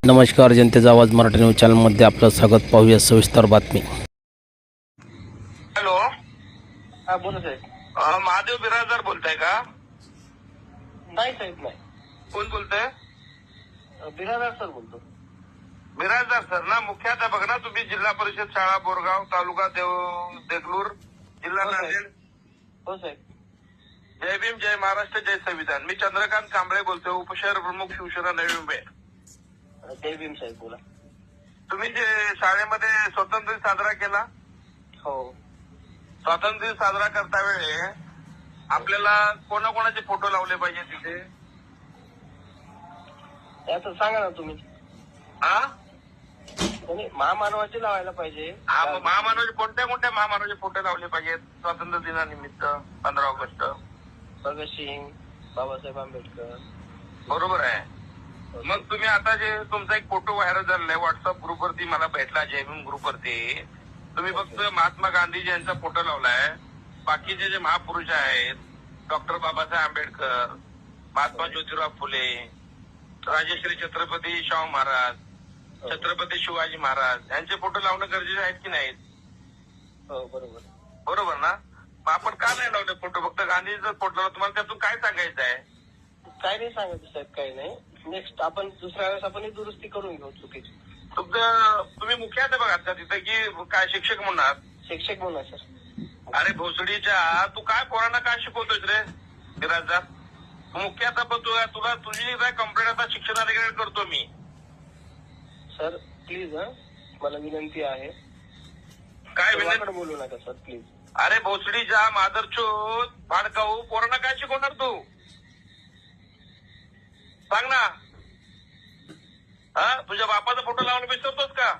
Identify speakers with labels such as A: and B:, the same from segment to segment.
A: नमस्कार, जनतेचा आवाज मराठी न्यूज चॅनलमध्ये आपलं स्वागत. पाहूया सविस्तर बातमी.
B: हॅलो,
C: हा बोला साहेब.
B: महादेव बिराजदार बोलताय का?
C: नाही साहेब, नाही.
B: कोण बोलतंय?
C: बिराजदार सर बोलतो.
B: बिराजदार सर ना, मुख्याध्यापक ना तुम्ही? जिल्हा परिषद शाळा बोरगाव, तालुका देगलूर, जिल्हा
C: हो साहेब.
B: नांदेड.
C: हो साहेब.
B: जय भीम, जय महाराष्ट्र, जय संविधान. मी चंद्रकांत कांबळे बोलतोय, उपशहर प्रमुख, शिवसेना नवी मुंबई.
C: जय भीम साहेब बोला.
B: तुम्ही जे शाळेमध्ये स्वातंत्र्य दिन साजरा केला,
C: हो.
B: स्वातंत्र्य दिन साजरा करता वेळे आपल्याला कोणाकोणाचे फोटो लावले पाहिजे तिथे?
C: याचं सांगा ना तुम्ही.
B: हा,
C: महामानवाचे लावायला पाहिजे.
B: महामानवाचे कोणत्या कोणत्या महामानवाचे फोटो लावले पाहिजेत स्वातंत्र्य दिनानिमित्त 15 ऑगस्ट?
C: भगतसिंग, बाबासाहेब आंबेडकर.
B: बरोबर आहे. मग तुम्ही आता जे तुमचा एक फोटो व्हायरल झालेला आहे व्हॉट्सअप ग्रुपवरती, मला भेटला जय भीम ग्रुपवरती, तुम्ही फक्त महात्मा गांधीजी यांचा फोटो लावलाय. बाकीचे जे महापुरुष आहेत, डॉक्टर बाबासाहेब आंबेडकर, महात्मा ज्योतिराव फुले, राजश्री छत्रपती शाहू महाराज, छत्रपती शिवाजी महाराज यांचे फोटो लावणं गरजेचे आहेत की नाहीत?
C: हो बरोबर.
B: बरोबर ना. मग आपण का नाही लावले फोटो? फक्त गांधीजीचा फोटो लावला. तुम्हाला त्यातून काय सांगायचं आहे?
C: काय नाही सांगायचं साहेब, काही नाही. नेक्स्ट आपण दुसऱ्या वेळेस आपण दुरुस्ती करून घेऊ चुकीची.
B: तुम्ही मुख्याध्यापक आहात का तिथे, की काय शिक्षक म्हणणार?
C: शिक्षक म्हणा सर.
B: अरे भोसडीच्या, तू काय पोरांना काय शिकवतोयस रे बिराजदार? मुख्याध्यापक तुला तुझी काय कंप्लेंट आता शिक्षणाधिकारी करतो मी.
C: सर प्लीज, मला विनंती आहे.
B: काय विनंती?
C: बोलू नका सर प्लीज.
B: अरे भोसडीच्या मादरचोद भाडकाऊ, पोरांना काय शिकवणार तू? सांग ना. हा, तुझ्या बापाचा फोटो लावून विसरतोस का?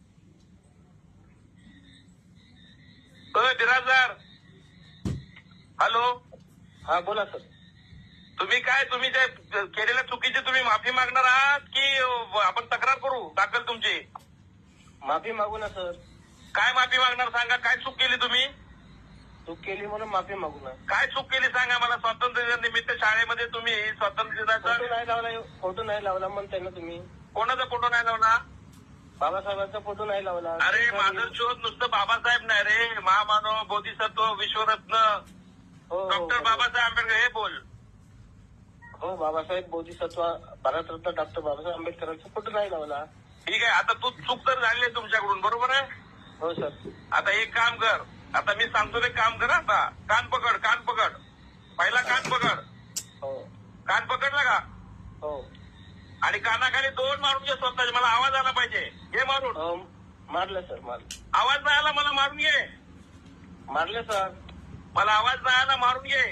B: बिराजदार, हॅलो.
C: हा बोला सर.
B: तुम्ही त्या केलेल्या चुकीची तुम्ही माफी मागणार आहात की आपण तक्रार करू दाखल तुमची?
C: माफी मागू ना सर.
B: काय माफी मागणार सांगा? काय चूक केली तुम्ही?
C: चूक केली म्हणून माफी मागू ना.
B: काय चूक केली सांगा मला? स्वातंत्र्य दिनानिमित्त शाळेमध्ये तुम्ही स्वातंत्र्य दिनाचा
C: फोटो नाही लावला म्हणताय ना तुम्ही.
B: कोणाचा फोटो नाही लावला?
C: बाबासाहेबांचा फोटो नाही लावला.
B: अरे माझं शोध नुसतं बाबासाहेब नाही रे, महामानव, बोधिसत्व, विश्वरत्न, डॉक्टर बाबासाहेब आंबेडकर हे बोल.
C: हो, बाबासाहेब बोधिसत्व, भारतरत्न डॉक्टर बाबासाहेब आंबेडकरांचा फोटो नाही लावला.
B: ठीक आहे. आता तू चूक तर झाली आहे तुमच्याकडून, बरोबर आहे?
C: हो सर.
B: आता एक काम कर, आता मी सांगतो ते काम कर. आता कान पकड, कान पकड. पहिला कान पकड.
C: हो.
B: कान पकडला का?
C: हो.
B: आणि कानाखाली 2 मारून घे स्वतःचे. मला आवाज आला पाहिजे. घे मारून.
C: हो मारलं सर, मारलं.
B: आवाज नाही आला मला मारून घे.
C: मारलं सर.
B: मला आवाज नाही आला, मारून घे.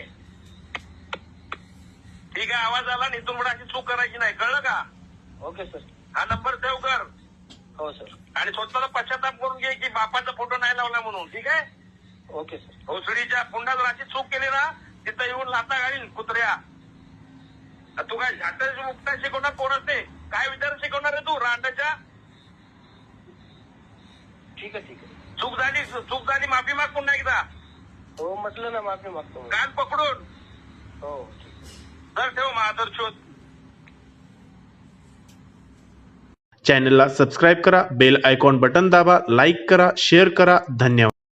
B: ठीक आहे, आवाज आला. इथून पुढे अशी चूक करायची नाही, कळलं का?
C: Okay sir.
B: हा नंबर सेव्ह कर.
C: हो सर.
B: आणि स्वतःला पश्चाताप करून घे की बापाचा फोटो नाही लावला म्हणून. ठीक आहे?
C: Okay sir.
B: भोसडीच्या पुन्हा जर अशी चूक केली ना, तिथं येऊन लाथा घालील कुत्र्या. तू काय झाटाची मुक्ता शिकवणार? कोण असते? काय विचार शिकवणार आहे तू रांडाच्या?
C: ठीक आहे, ठीक आहे.
B: चूक झाली, माफी माग पुन्हा एकदा.
C: हो म्हटलं ना, माफी मागतो.
B: कान पकडून.
C: हो.
B: तर ठेव महादर शोध.
D: चॅनलला सबस्क्राईब करा, बेल आयकॉन बटन दाबा, लाईक करा, शेअर करा. धन्यवाद.